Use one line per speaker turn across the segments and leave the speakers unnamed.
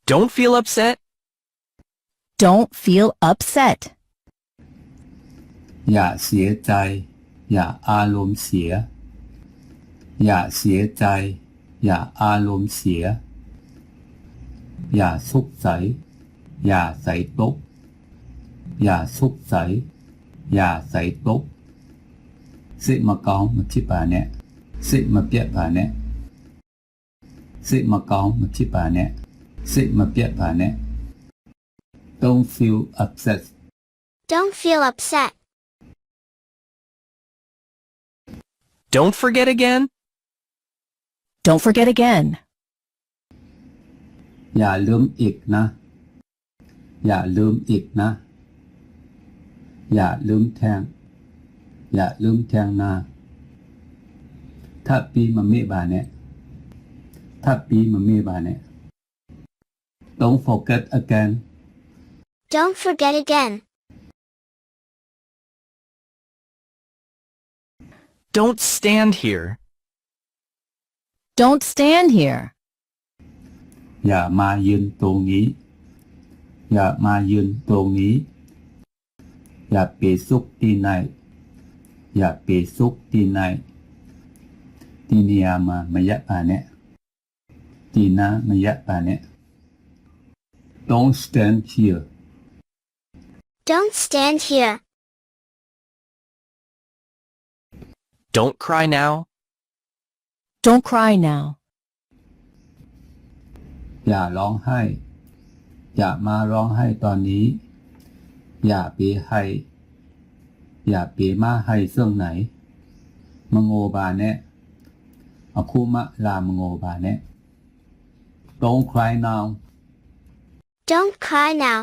Don't feel upset.
Don't feel upset.
อย่าเสียใจอย่าอารมณ์เสียอย่าเสียใจอย่าอารมณ์เสียอย่าสุขใสอย่าใส่ตกอย่าสุขใสอย่าใส่ตกสิมาเกามาที่ป่าเนี่ยสิมาเปียป่าเนี่ยสิมาเกามาที่ป่าเนี่ยสิมาเปียป่าเนี่ย Don't feel upset.
Don't feel upset.
Don't forget again.
Don't forget again.
อย่าลืมอีกนะอย่าลืมอีกนะอย่าลืมแทงอย่าลืมแทงนะถ้าปีมันไม่บาเนี่ยถ้าปีมันไม่บาเนี่ย Don't forget again.
Don't forget again.
Don't stand here.
Don't stand here.
อย่ามายืนตรงนี้อย่ามายืนตรงนี้อย่าไปซุกที่ไหนอย่าไปซุกที่ไหนที่นี่มามายะป่าเนี่ยที่น่ามายะป่าเนี่ย Don't stand here.
Don't stand here.
Don't cry now.
Don't cry now.
อย่าร้องไห้อย่ามาร้องไห้ตอนนี้อย่าไปให้อย่าไปมาให้เสื่องไหนมโงบาเนี่ยอาคุมะลามโงบาเนี่ย Don't cry now.
Don't cry now.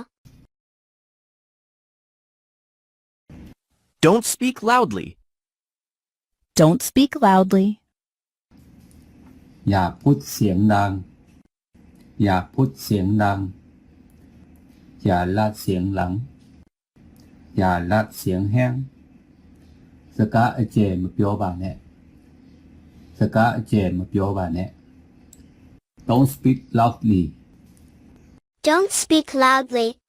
Don't speak loudly.
Don't speak loudly.
อย่าพูดเสียงดังอย่าพูดเสียงดังอย่าลาดเสียงหลังอย่าลาดเสียงแห้งสกาเจมาเปียวบาเนี่ยสกาเจมาเปียวบาเนี่ย Don't speak loudly.
Don't speak loudly.